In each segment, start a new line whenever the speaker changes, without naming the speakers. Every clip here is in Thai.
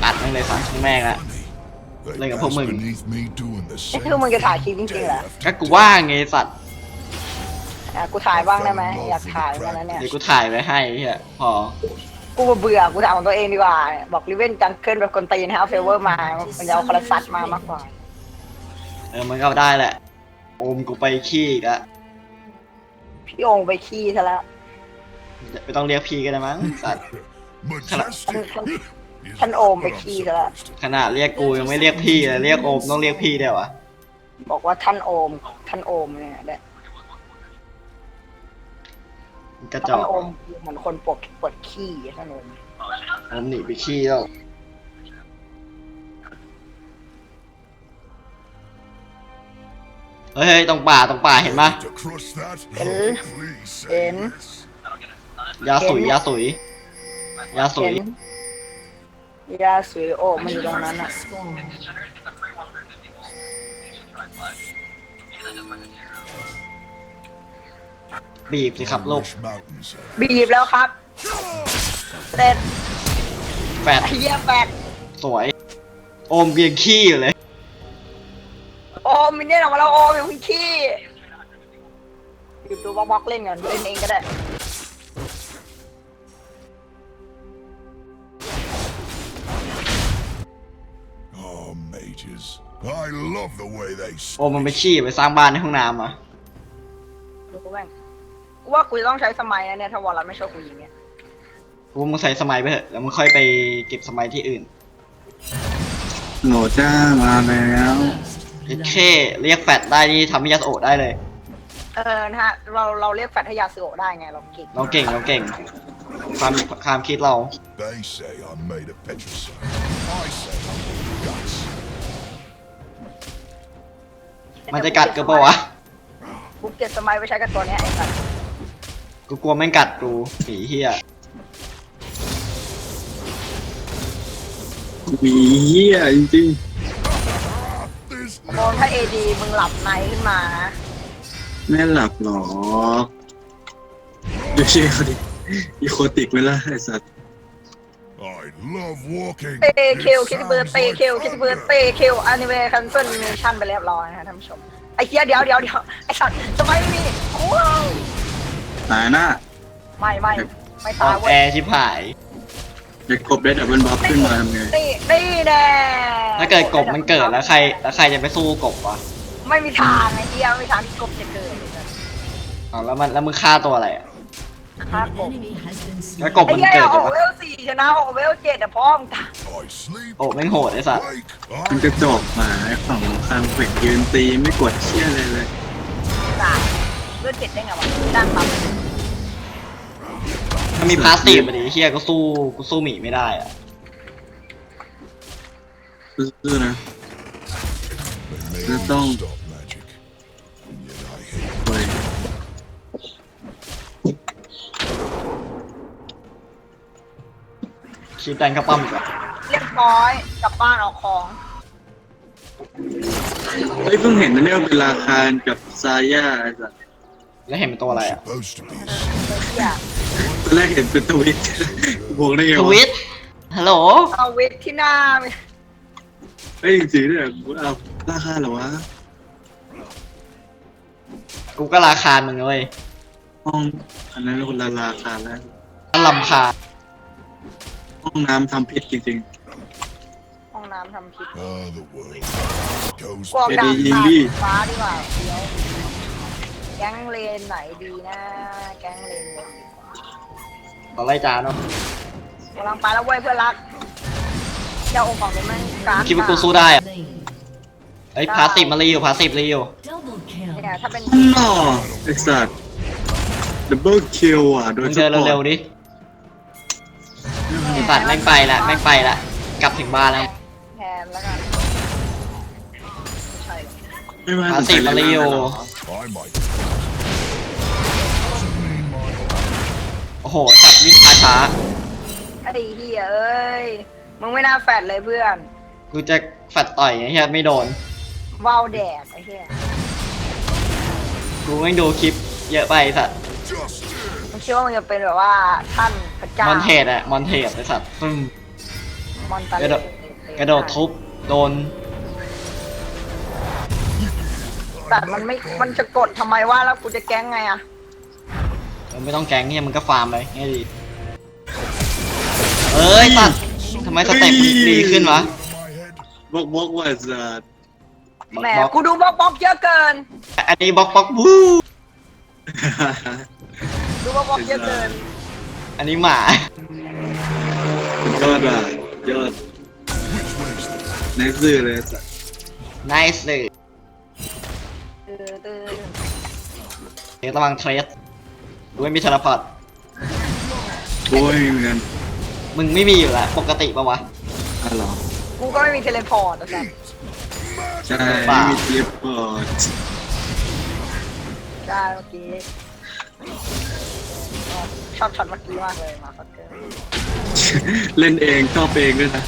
อัดแม่งเลย3 ครั้งแรกละเล่นกับพวกมึง
นี่คือมึงจะถ่ายคลิปจริงๆเหรอ
ก็กูว่างไงสัตว์
กูถ่ายบ้างได้ไหมอยากถ่ายกันนะเนี่ย
เดี๋ยวกูถ่ายไว้ให้เฮียพอ
กูเบื่อกูถ่ายของตัวเองดีกว่าบอกริเวนจังเกิลแบบคนตีนฮะเฟเวอร์มามันจะเอาคาราซัตมามากกว่า
มันก็ได้แหละโอมกูไปขี้อีกอะ
พี่องไปขี้ซะแล้ว
ไม่ต้องเรียกพี่ก็ได้มั้งสัตว์
ท่านโอมไปขี้ซะแล้ว
ขนาดเรียกกูยังไม่เรียกพี่เลยเรียกโอมต้องเรียกพี่เดี๋ยววะ
บอกว่าท่านโอมเนี่ยแหละ
กระจ
ท่า
อน ก
โอมเหมือนคนปวดขี้ท่านโอม
โอมหนีไปขี้แล้วเฮ้ยตรงป่าเห็นปะ
เห็น
ยาสุย
เห็นยาสวยโอมมันอยู่ตรงนั้นอ่ะ
บีบสิครับลูก
บีบแล้วครับเสร็จ
แฟด
ไอ้เหี้ยแปด
สวย โอมเบียงขี้อยู่เลย
โอมมินเนี่ยออกมาแล้วโอมอย่าเพิ่งขี้หยุดดูบล็อกเล่นก่อนเล่นเองก็ได้
โอมมันไปขี้ไปสร้างบ้านในห้องน้ำอ่ะ
ดูกูแม่งกูว่ากูจะต้องใช้สมัยนะเนี่ยถ้าวอลลันไม่ชอบกูยิงเนี่ย
กูมึงใส่สมัยไปเถอะแล้วมึงค่อยไปเก็บสมัยที่อื่น
โหลจ้ามาแล้ว
เคเรียกแฟดได้นี่ทำให้ยาสโอะได้เลย
นะฮะเราเรียกแฟตให้ยาซึโอะได้ไงเราเก่ง
เราเก่งความคิดเรา
They say I'm made of petricite. I say I'm made of guts.
มันจะกัดกูปะวะ
กูเก็บสมัยไปใช้กับตัวเนี้ยไอ้สัส
กูกลัวแม่งกัดกูผีเฮีย
มีเหี้ยจริง
There's
โอมถ้าเอดีมึงหลับในขึ้นมานะ
ๆไม่หลับหรอกดูชื่อเขาดิอีโคติกไหมล่ะไอ้สัตว์
I love walking.
เตเคลคิดเบิร์ดเตเคลคิดเบิร์ดเตเคลอนิเมะคันเซิลเนชั่นไปเรียบร้อยนะฮะท่านผู้ชมไอ้เหี้ยเดี๋ยวไอ้สัสสมัยไม่มีว้าว
ตายหน้า
ไม่
อ
ตา
อย น
เว้
แอย ร์ชิบหาย
เด็กกบได้ดับเบิลบ็อกขึ้นมาทำไง
นี่แน่
ถ้าเกิดกบมันเกิดแล้วใครจะไปสู้กบวะ
ไม่มีทางไอ้เหี้ยไม่มีทางที่กบจะเกิดเลยนะ
เอาแล้วมึงฆ่าตัวอะไรอ่ะ
ฆ่ากบ
แล้วกบ
ไอ้
มัน
เหี้ย
เกิด
อ
อยู่
อก
ปะ
เวล4ชนะออกเวล7แต่พ่อมึงตาย
I sleep,
โอ้แม่งโหดไอ้สัส
wake,
มันกระจอกหมาไอ้ฝั่งข้างเขวกยืนตีไม่กดเชี่ยเลย
ตายเวล7ได้ไงวะดังปั๊บ
ถ้ามีพาสซีฟมาดิเฮียก็สู้หมีไม่ได้อ่ะ
ซื่อๆนะ
they made me
Don't.
stop magic. And yet I hate
โอ้ย
คีบแดงเข้าป้อมอีกอ่ะ
เรียบร้อยกลับบ้านเอาของ
เฮ้ยเพิ่งเห็นนะเนี่ยว่าเป็นราคากับซาย่าไอ้สัตว์
แล้วเห็นเป็นตัวอะไรอ่ะ
supposed to be a
เหี้ย
ตอนแรกเห็นเป็นทวิตบอกได้ไง
ท
วะ
วิตฮัลโหล
เอาเวทที่หน้าไป
เฮ้ยจริงๆเนี่ยกูเอาราคาเหรอวะ
กูก็ราคามึงเลย
ห้องอันนั้นคนละราคาแล้ว
ลำคาญ
ห้องน้ำทำพิษจริง
ห้องน้ำทำผิด
the world goes
กวาง
เอ
ดา
ดี
บ
ยิงดิ
ฟ้าดีกว่าเดี๋ยวแก๊งเลนไหนดีนะแก๊งเลนบนดีกว่า
ต่อไล่จานเนาะ
กำลังไปแล้วเว้ยเพื่อนรักเจ้าองค์ของนี้มันการ
คิดว่ากูสู้ได้อ่ะเอ้ยพาสซีฟมารีอยู่
เนี่ยถ้าเป็น
ๆน่อไอสัตว์ดับเบิลคิวอ่ะโด
มึ
ย
ง
เฉ
เดิน
พาะ
เร็วๆดิสัตว์แม่งไปละกลับถึงบ้านแล้ว
แทนแล้วกันไม่ใช่หรอก
ไม่ว่า
พาสซีฟมารีอยู่
I might.
โอ้โหสัตว์วิ่งช้า
ไอ้เหี้ยเอ้ยมึงไม่น่าแฟดเลยเพื่อน
กูจะแฟดต่อยไงเฮียไม่โดน
ว่าวแดกไอ้เหี้ย
กูไม่งดูคลิปเยอะไปสัตว์
Just
มึงคิดว่ามึงจะเป็นแบบว่าท่านพระเจ้าม
อนเทสไอ้สัตว์
มอนตาเล
เดี๋ยวกระโดดทุบโดน
แต่มันจะกดทำไมวะแล้วกูจะแก๊งไงอะ
มันไม่ต้องแกงเนี่ยมันก็ฟาร์มไปง่ายดีเอ้ยตัดทำไมสเต็ปมันดีขึ้นวะ
My head.
บอกว่าจะ
แหมกูดูบล็อกเยอะเกิน
อันนี้บล็อกบู๊
ดูบล็อกเยอะเกิน
อันนี้หมา
ยอดอ่ะยอด
Which way is this?
ในซื่อเลยสัตว์
nice เลย
ตื่น
เดี๋ยวระวังเทรสดูไม่มีเทเลพอร์ต
โอ้ยเหมือนกัน
มึงไม่มีอยู่แล้วปกติปะวะ
อ๋อเหรอ
กูก็ไม่มีเทเลพอร์ตนะ
ใช่ไม่มีเทียบพอร์ต
ใช่เมื่อกี้ชอบช็อตเมื่อกี้มากเลยมาฟักเกอร์
เล่นเองชอบเองด้วยนะ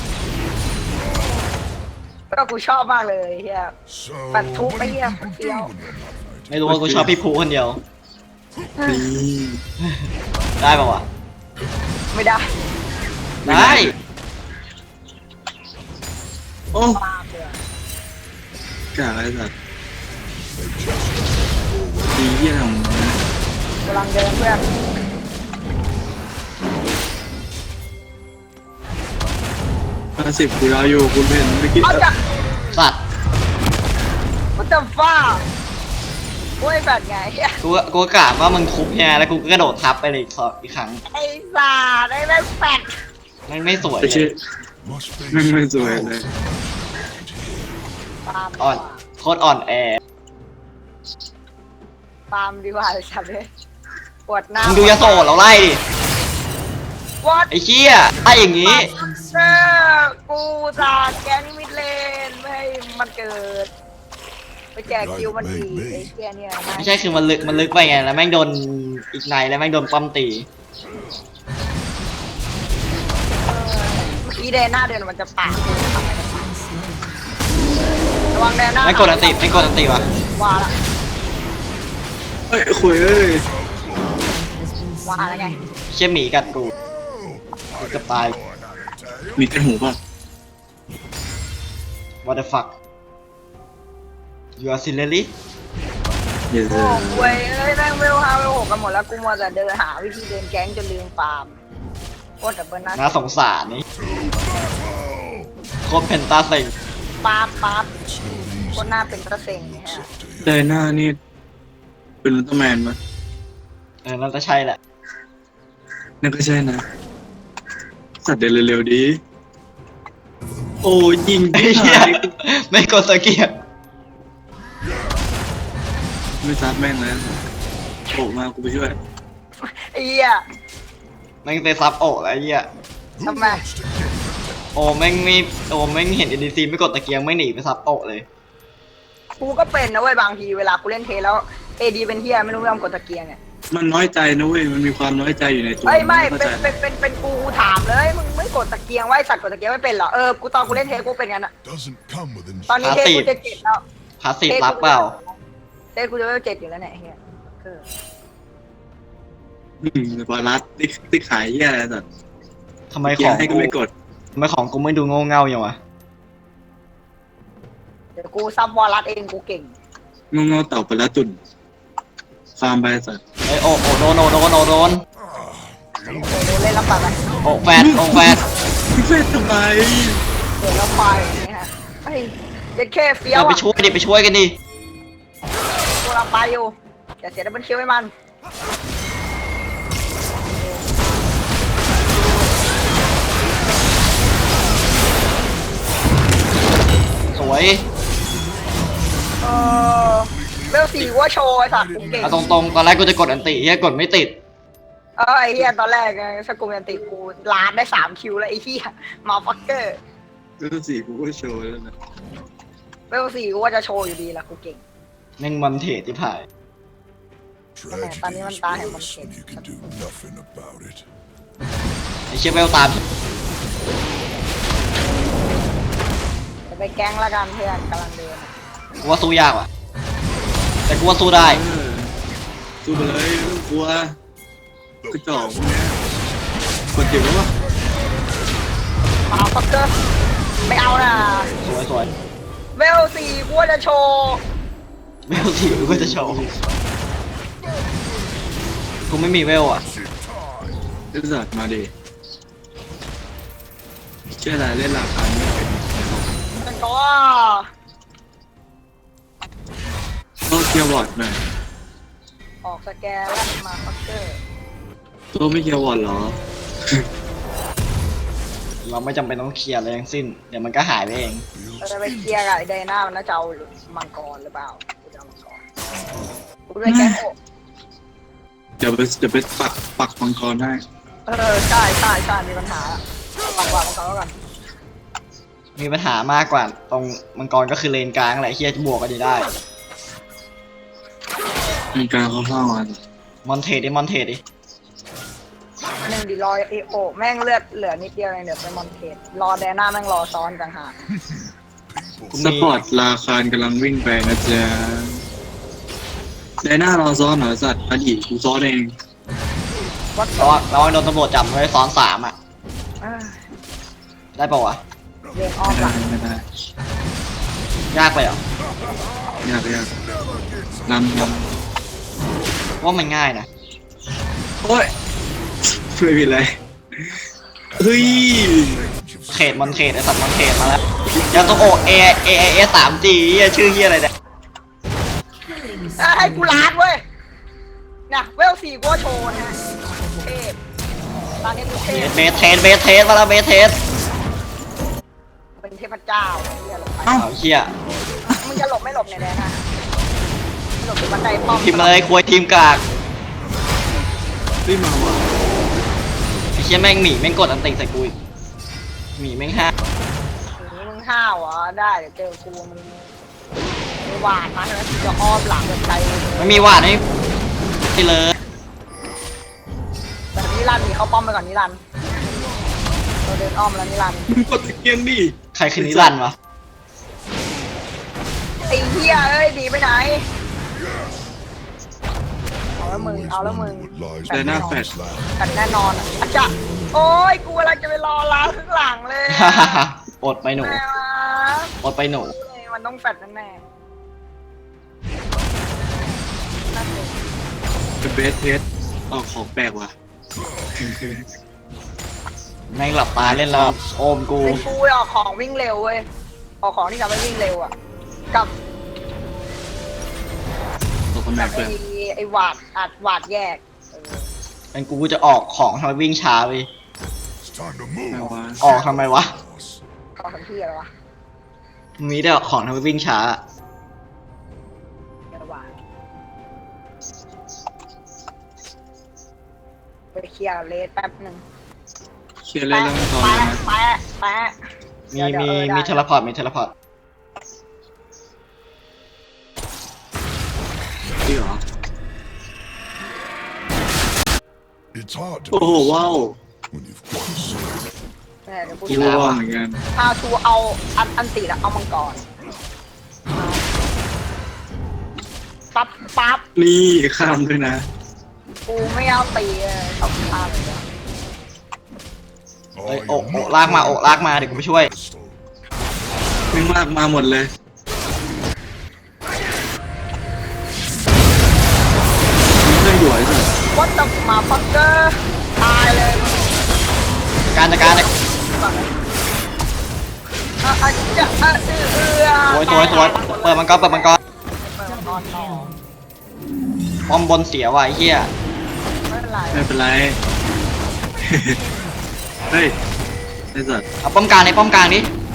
ก็กูชอบมากเลยเฮีย
So,
But two
what do you
here,
people
feel.
do when you're not fighting?
ไม่รู้ว่ากูชอบพี่ภูคนเดียว
นี่
ได้ปะวะ
ไม่ได้
ได้
โอ้
ปาบเลย
กาอะไรสัตว์ดีเยี่ยม
กำลังเดินเพื่อน
50กูรออยู่คุณเห็นเมื่อกี้
เอาจ้ะ
สัตว์
กูจะฟ้าโอ้ยแบบไงเฮีย
กูกะว่ามึงทุบเนี่ยแล้วกูก็กระโดดทับไปเลยอีกครั้ง
ไอ้สาดไอ้แม่งแปด
มันไม่สวย
ไม่
เล
ใช่
ย
Must be
ไม่สวยเลย
ปาล์ม
อ่อนโคตรอ่อนแอ
ปาล์มดีกว่าเลยสัตว์เลยปวดหน้า
มึงดูยาโสดเราไล่ดิ
วอด
ไอ้เชี่ยไล่อย่างงี้
เออกูจะแกนี่มิดเลนไม่ให้มันเกิด ไปแจกคิวมันดีไอ้เกียเนี่ย
ไม่ใช่คือมันลึกไปไงแล้วแม่งโดนอีกในแล้วแม่งโดนป้อมตี
เมื่อกี้แดนหน้าเดินมันจะปาดกูทำไมจะปาดระวังแดนหน้า
ไม่กดอันติไม่กดอันติวะ
ว่าละ
เอ้ยคุยเอ้ย
ว่าละไง
เชี่ยหมีกัดกูกูจะตาย
มีแต่หูป่ะ
what the fuck you are seriously
เดี๋ยว
โอ้โว้ยเอ้ยแม่งเวล5เวล6กันหมดแล้วกูมัวแต่เดินหาวิธีเดินแก๊งจนลืมฟาร์มโคตรดับเบิลนะ
น่าสงสารนี่โคตรเพนตาเซ็ง
ปั๊บ
It's no
โค
easy.
ตรหน้าเป็นกระเซ็งเนี่ยฮะ
ใจหน้านี่เป็นอุลตร้าแมนปะ
น่าจะใช่แหละ
นั่นก็ใช่นะ สัตว์เดินเร็วๆดี โอ้ยิง
ไอ้
ไม่
เหี้ย
หาย
ไม่กดสเกียร์
ไม่ซัดแม่งแล้วโผล่มากูไปช่วย
ไอ้เหี้ย
แม่งเซซับโอะแล้วไอ้เหี้ย
Who
Come back.
wants to get protected?
โอ้แม่งไม่โอ้แม่งเห็น NDC ไม่กดตะเกียงไม่หนีไปซับโอะเลย
กูก็เป็นนะเว้ยบางทีเวลากูเล่นเทสแล้วเอดีเป็นเฮียไม่รู้ไม่ยอมกดตะเกียงเนี่ย
มันน้อยใจนะเว้ย มันมีความน้อยใจอยู่ในตัว
เฮ้ยไม่
เข้า
เป็
ใจ
นกูถามเลยมึงไม่กดตะเกียงไว้สัตว์กดตะเกียงไม่เป็นเหรอกูตอนกูเล่นเทสกูเป็นงั้นอะ
Doesn't come with
ตอนนี้เทส
Passive
กูจะเจ็ดแล้ว
พาสซีฟรับเปล่า
เทสกูจะเจ็ดอยู่แล้วเนี่ยเฮีย
บอลลัสติ๊กขายแย่อะไรสัตว์
ทำไม
เกี
ข
ย
อง
ร์ให้ก็
กู
ไม่กด
ทำไมของกูไม่ดูโง่เง่าอย่างวะ
เดี๋ยวกูซับวอลลัสเองกูเก่ง
งอๆต่อไปแล้วตุ่นฟาร์มไปสัตว์
เอ้ยโอ้โดนโดนโดน
ดูเล่นแล้วไปไหม
โอ้แฟดโอ้แฟด
พี่เฟสทำไม
เดี๋ยวแล้วไปอย่างเงี้ยฮะเฮ้ยเด็ดแค่เฟี้ยว
เราไป
อะ
ช่วยดิไปช่วยกันดิ
กูกำลังไปอยู่อย่าเสียดับเบิลคิวให้มัน
สวย
เออเวลสี่ว่าโชว์ไอ้สัตว์กูเก่ง
เอาตรงๆตอนแรกกูจะกดอันติเฮียกดไม่ติด
ไอ้เหี้ยตอนแรกไงสกูเมนติกูลาดได้3 คิวแล้วไอ้เหี้ยมาฟักเกอร์
แล้วสี่กูก็โชว์แล้วนะ
เวล4กูว่าจะโชว์อยู่ดีละกูเก่ง
แม่งมันเทที่ผ่าย
Tragedy
Tani man
is
tayo
worse
mag-shit.
when you can do nothing about it.
ไอ้เชี่ยเวลตาม
จะไปแก๊งละกันเพื่อนกำลังเดิน
กูว่าสู้ยากว่ะ แต่กูว่าสู้ได้
สู้ไปเลยไม่ต้องกลัวกระจอกพวกเนี้ยกดเจ็บแล้ววะ
มาฟักเกอร์ไม่เอา 4กูว่าจะโชว์
เวลสี่กูก็จะโชว์กูไม่มีเวลอ่ะ
ไอ้สัตว์มาดิเชื่ออะไรเล่นราคาไม่เป็น
มันก็
ก็เกียร์วอร์ดหน่อย
ออกสแกนแล้วมาฟักเกอร์
ตัวไม่เกียร์วอร์ดเหรอ
เราไม่จำเป็นต้องเคลียร์อะไรทั้งสิ้นเดี๋ยวมันก็หายไปเอง
เราจะไปเคลียร์กับไอ้ไดนามันน่าจะเอามังกรหรือเปล่ากูจะเอามังกรกูด้วยแก๊งโอ
เดี๋ยวไปปักมังกรให้
ใช่มีปัญหาปังกว่ามังกรแล้วกัน
มีปัญหามากกว่าตรงมังกรก็คือเลนกลางแหละเฮียจะบวกกันอยู่ได้
มีการเข้าเข้ามา
มอนเทดิมอนเทดิ
หนึ่งดีรอเอโอแม่งเลือดเหลือนิดเดียวเองเดี๋ยวไปมอนเทสรอแดน่าแม่งรอซ้อนกันหา
กู
ส
มี
ปอร์ตราคารกำลังวิ่งไปนะจ๊ะไดหน้ารอซ้อนเหรอสัตว์อดีตกูซ้อนเอง
วัด
เราโดนตำรวจจับไว้ซ้อน3อ่ะ ได้ปะวะ
เดินอ้อมหลัง
ไม่ได้
ยากไปเหรอย
ากนำ
ว่ามันง่ายนะ
โอ้ยไม่ผิดเลยเฮ้ย
เขตมอนเขตไอสัตว์มอนเขตมาแล้วยาโตโอเอ3G ชื่อเฮียอะไรเนี่ย
ให้กูล้านเว้ยนะเวล4กูโชว์นะเทพตอนนี้กูเทพ
เบสเทสมาแล้วเบสเทส
เป็นเทพเจ้าเฮียหลบไป
เอาเฮีย
มึงจะหลบไม่หลบเนี่ยแดน่าหลบอยู่บันไดป้อม
ทีมอะไรควยทีมกาก
รีบมาว่ะ
ไอเฮียแม่งหมีแม่งกดอันติใส่กูอีกหมีแม่งห้า
มึงห้าวเหรอได้เดี๋ยวเจอกูมึงหวานมาใช่ไหมจะอ้อมหลังแบบใจ
ไม่มีหวาดไม่เลย
แต่นิรันดร์มีเข้าป้อมไปก่อนนิรันดร์เราเดินอ้อมแล้วนิรันดร์
มึงกดตะเกียงดิ
ใครคือนิรันดร์วะ
ไอ้เหี้ยเอ้ยดีไปไหนเอาแล้วมึง
ไดหน้าแฟด
กันแน่นอนอ่ะอาจจะโอ้ยกูอะไรจะไปรอล้างข้างหลังเลย
อดไปหนู
แม่วะ
อดไปหนู
มันต้องแฟดแน่ๆนั่นเอง
เป็นเบสเทสออกของแปลกว่ะ
แม่งหลับตาเล่นแล้วโอมกู
ไอ้กูออกของวิ่งเร็วเว้ยออกของที่ทำให้วิ่งเร็วอ่ะกับ
ตัวคนแบ
กับบ
เปิด
ไอ้หวาดอัดหวาดแยก
เป็นกูจะออกของทำไมวิ่งช้าไป
It's time to
แปล
move.
ว่า
ออกทำไมวะ
Boss.
เขาทำที่อะไรวะ
มีได้ของทำไมวิ่งช้า
ไอ้หวาดไปเคลียร์เลสแป๊บหนึ่ง
เชียร์เล่นแล้วมังกรเลยนะ
แปะ
มี
เดี๋ยว
มีเทเลพอร์ตมีเทเลพอร์ต
จริงเหรอ
It's hard to
โอ้โหว้าว
when you've got a sword.
เดี๋ยวกู
กู
จะ
ว่าเหมือนกัน
เอาทูเอาอันติแล้วเอามังกรปั๊บ
นี่ข้ามด้วยนะ
กูไม่เอาตีเลยเอาข้ามเลย
เอ้ยโอะลากมาโอะลากมาเดี๋ยวกูไปช่วย
Pistol.
แม่งลากมาหมดเลยมีเพื่อนอยู่ไอ้สัส
วัดจับมาฟักเกอร์ตายเลย
การจัดการเลย
อาจจะ
สวยเปิดมังกร
เปิดมังกรต่อ
ป้อมบนเสียว่ะไอ้เหี้ย
ไม่เป็นไร
ไม่เป็นไร เฮ้ยไอ้สัส
เอาป้อมกลางดิ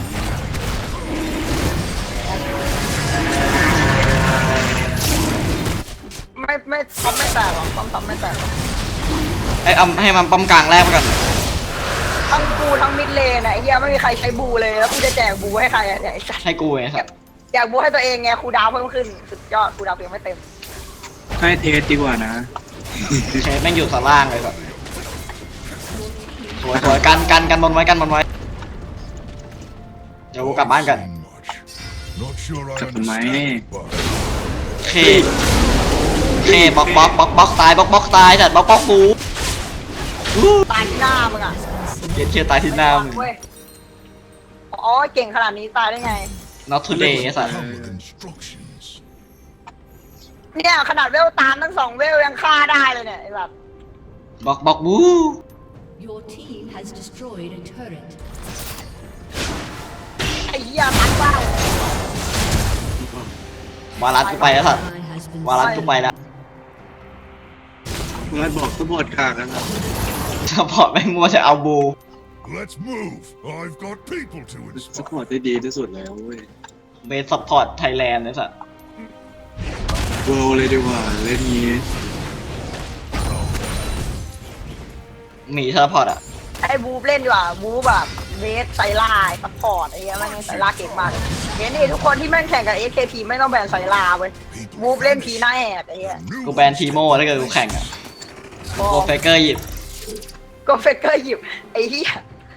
ไม่ทำไม่แตกหรอกทำไม่แตกหรอก
เอาให้มันป้อมกลางแรกไปก่อน
ทั้งกูทั้งมิดเลนไอ้เหี้ยไม่มีใครใช้บูเลยแล้วกูจะแจกบูให้ใครอะเนี่ยไอ้สัส
ให้กูไงสัตว์
แจกบูให้ตัวเองไงครูดาวเพิ่มขึ้นสุดยอดครูดาวเพียงไม่เต็ม
ให้เทสดีกว่านะ
เชฟแม่งอยู่ข้างล่างเลยสัตว์สวยกันบนไว้เดี๋ยวกูกลับบ้านกัน
Seen much. Not sure I
Couple of
understand,
my-
but
เคบล็อกตายบล็อกตายสัตว์บล็อกกู
ตายที่หน้ามึงอ่ะ
เกลียดเชียตายที่หน้ามึง
เว้ยอ๋อเก่งขนาดนี้ตายได้ไง
not today ไอ้สัตว์
Come with instructions.
เนี่ยขนาดเวลตามทั้งสองเวลยังฆ่าได้เลยเนี่ยไอ้แบบ
บอกบู
Your team has destroyed a turret.
ไอ้เหี้ยมันเปล่าว
ารัสกูไปแล้วสัตว์
Ally has been
วารัสกูไปแล้ว
มาบอกสปอร์ตกากนะครับ
ซัพพอร์ตไม่มัวจะเอาบู
Let's move. I've got people to
สปอร์
inspire.
ตได้ดีที่สุดแล้วเว้ย
เบสซัพพอร์ตไทยแลนด์ไอ้สัตว์
เวิลด์เลยดีกว่าเล่นนี้
หมีซัพพอร์ตอ่ะ
ไอ้บูฟเล่นดีกว่าบูฟแบบเวสไซล่าซัพพอร์ตไอ้เงี้ยแม่งไซล่าเก่งมากเห็นดิทุกคนที่แม่งแข่งกับ SKT ไม่ต้องแบนไซล่าเว้ยบูฟเล่นทีหน้าแหกไอ้เงี้ย
กูแบนทีโม่ถ้าเกิดกูแข่งอ่ะโกเฟเกอร์หยิบ
ก็เฟกเกอร์หยิบไอ้เหี้ย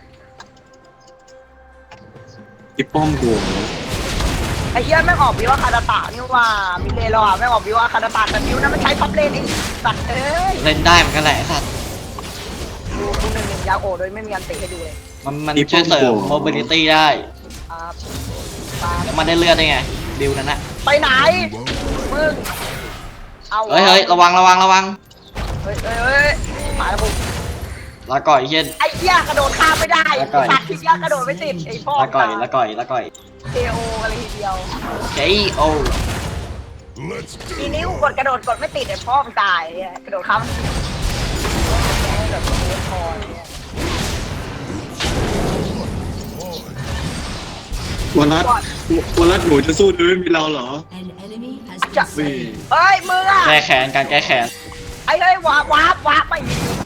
ที่ป้อมกู
ไอ้เหี้ยแม่งออกวิวาคาราตะนี่ว่ามิเลโรอ่ะแม่งออกวิวาคาราตะแต่วิวนั้นมันใช้ท็อปเลนไอ้สัตว์เอ้ย
เล่นได้เหมือนกันแหละไอ้สัตว์
ดูหนึ่งยาโอโดยไม่มีอันติให้ดูเลย
มันช่วยเสริม mobility ได้
ครับ
แล้วมันได้เลือดได้ไงบิวนั้นนะ
ไปไหนมึงเอา
เฮ้ยระวัง
เฮ้ยมาแล้วบุก
แล้วก่อยเฮียน
ไอ้เหี้ยกระโดดข้ามไม่ได้
แล้วก่อย
สัตว์ที่เหี้ยกระโดดไม่ติดไอ้พ่อ
แล้วก่อย
เทโออะไรทีเดียว
KO
Let's
ที
do
นี้
it.
กูกดกระโดดกดไม่ติดไอ้พ่อมันตายไอ้เหี้ยกระโดดข้ามแบบเวทพอเนี่ย
วันรัดหนูจะสู้โดยไม่มีเราเหรอ
An enemy has
จะ
been slain.
เฮ้ยมึงอะ
แก้แค้นการแก้แค้น
ไอ้เฮ้ยวาร์ปไป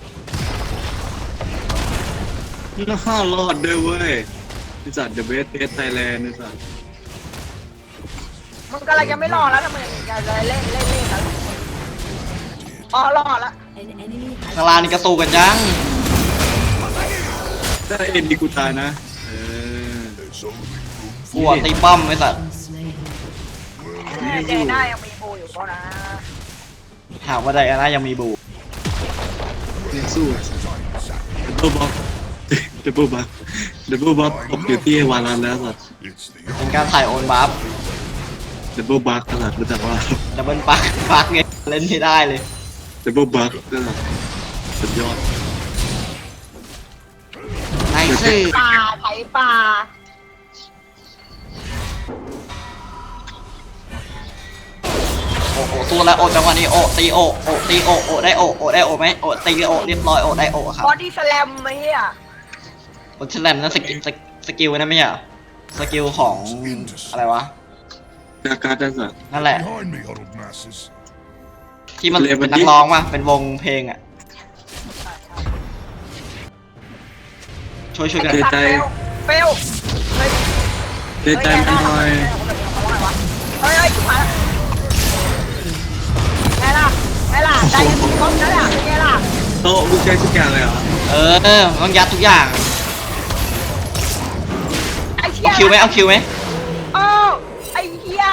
น่ารอดด้วยเว้ยบริษัท The Best Pet Thailand บริษัท
มึงกำลังจะไม่รอดแล้วทำไมอย่าเลยเล่นกันอ๋อรอดละ
An enemy has
ข้างล่างนี่กระตูกันยัง
ถ้าเอ็นดีกูตายนะ
There's only room
กลัวตีป้อมไอ้สัตว์
been slain.
เจน่ายังมีโบอยู่เปล่านะ
ถามว่าไดอาน่ายังมีบู
เล่นสู้ดับเบิลบ็อกดับเบิลบ็อกดับเบิลบ็อกตกอยู่ที่วารันแล้วสัตว์
It's the
เป็นการถ่ายโอนบัฟ
ดับเบิลบ็อกสัตว์รู้จักว่า
ดับเบิลปักไงเล่นไม่ได้เลย
ดับเบิลบ็อกสัตว์สุดยอด
ไนซี่
ป่าไถป่า
โอ้โหสู้แล้วโอจังหวะนี้โอตีโอตีโอได้โอได้โอไหมโอตีโอเรียบร้อยโอได้โอครับ
บอดี้สแลมไอ้เหี้ย
บนแฉลมนั่นสกิลนั่นไม่ใช่เหรอสกิลของอะไรวะ
จากการจัดสัตว์
นั่นแหละ
behind me, huddled masses.
ที่มันเป็นนักร้องป่ะเป็นวงเพลงอ่ะช่วยกัน
ไอ้สัตว์เฟลเฮ้ย
เดใจมันหน่อย
เฮ้ยจุ๊บมาไงล่ะใจยังมีครบนะเนี่ยไงล่ะ
โต๊ะมึงใช้ทุกอย่างเลยเหรอ
ต้องยัดทุกอย่าง
ไอ้เหี้ย
เอาคิวไหม
โอ้ไอ้เหี้ย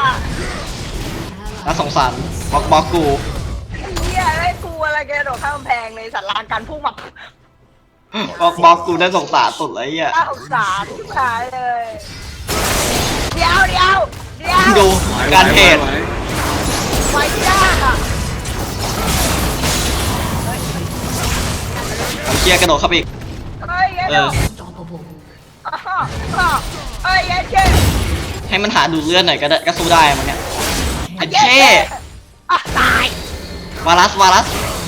น่าสงสารบอกกู
ไอ้เหี้ยไอ้กูอะไรแกโดดข้ามกำแพงเลยสัตว์ลานการพุ่งมา
บอกกูน่าสงสารสุดเลยอ่ะ
น่าสงสารทุกทายเลยเดี๋ยว
ดูการเทรด
ไว้ยากอ่ะ
ผมเชียร์กระโดดเข้าไปอีก
เฮ้ยไอ้เดี๋ยว
unstoppable.
เฮ้ยไอ้เจ๊
ให้มันหาดูเลือดหน่อยก็ได้ก็สู้ได้มันเนี่ยไอ้เช่
ตายว
าลัส
I've been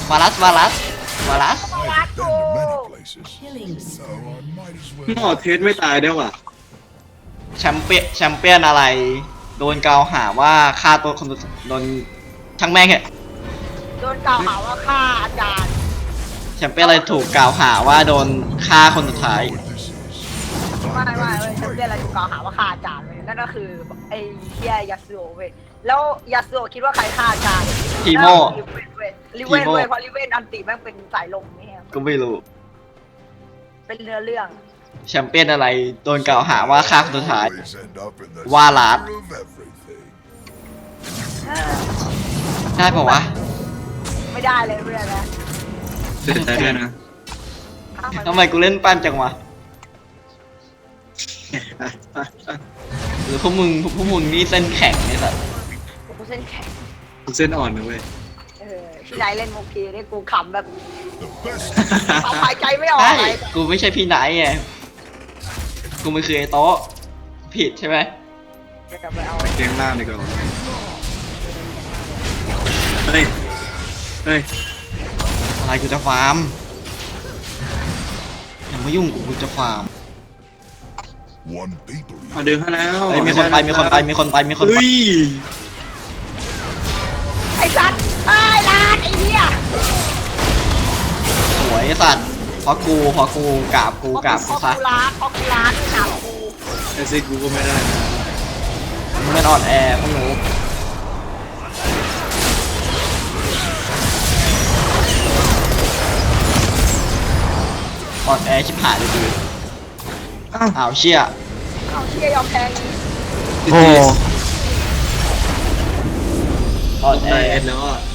to many places.
Killing
So
spree.
I might as
หม
well.
อเทสไม่ตายได้ว่ะ
แชมเปี้ยนอะไร โดนกล่าวหาว่าฆ่าตัวคนโดนช่างแม่งเหอะ
โดนกล่าวหาว่าฆ่าอาจารย์
แชมเปี้ยนอะไรถูกกล่าวหาว่าโดนฆ่าคนสุดท้าย
What this is.
ไม่เว้ยฉันเรียกอะไรถูกกล่าวหาว่าฆ่าอาจารย์เว้ยนั่นก็คือไอ้เฮียยาสุโอะเว้ยแล้วยาสุโอะคิดว่าใครฆ่าอาจารย์
ทีโม่
ลิเวนเว้ย
ทีโม่
เพราะลิเวนอันติแม่งเป็นสายลมเนี่ย
ก็ไม่รู้
เป็นเนื้อเรื่อง
แชมเปี้ยนอะไรโดนกล่าวหาว่าฆ่าคนสุดท้าย
Always end up in the
Walat.
center of everything.
ได้ปะวะ
ไม่ได้เลยเรื่องนะ
เสียใจด้วยนะ
ทำไมกูเล่นปั้นจังวะหรือพวกมึงนี่เส้นแข็งไอ้สัส
กูเส้นแข็ง
กูเส้นอ่อนนะเว้ย
พี่นายเล่นมุกทีนี่กูขำแบบ
The best
เอาหายใจไม่ออก
ใช่
เลย
กูไม่ใช่พี่ไหนไงกูมันคือไอ้โต๊ะผิดใช่ไหม
จะไปเอา
ไปเกงล่างดีกว่าเฮ้ยเฮ้ย
อะไรกูจะฟาร์มอย่ามายุ่งกูจะฟาร์ม
one people.
เอาเดินเข้าแล้ว
เฮ้ยมีคนไปมีคนไปมีคนไปมีคนไป
เฮ้ย
ไอ้สัตว์ไอ้ลานไอ้เหี้ย
สวยไอ้สัตว์เพราะกูกราบกูกราบ
พ
กู
อ
ซะ
กูล้านพอกูล้านไม่หนาวกู
ไอซิกกูก็ไม่ได้นะ
มึงมันอ่อนแอพวกหนูอ่อนแอชิบหายเลยดู
อ้าว
อ้าวเชี่ย
เอาเชี่ยยอมแพ้งี้
ติด
โอ้
ตี
อ่อนแอ
ได้เอ็ดแล้วอ่ะ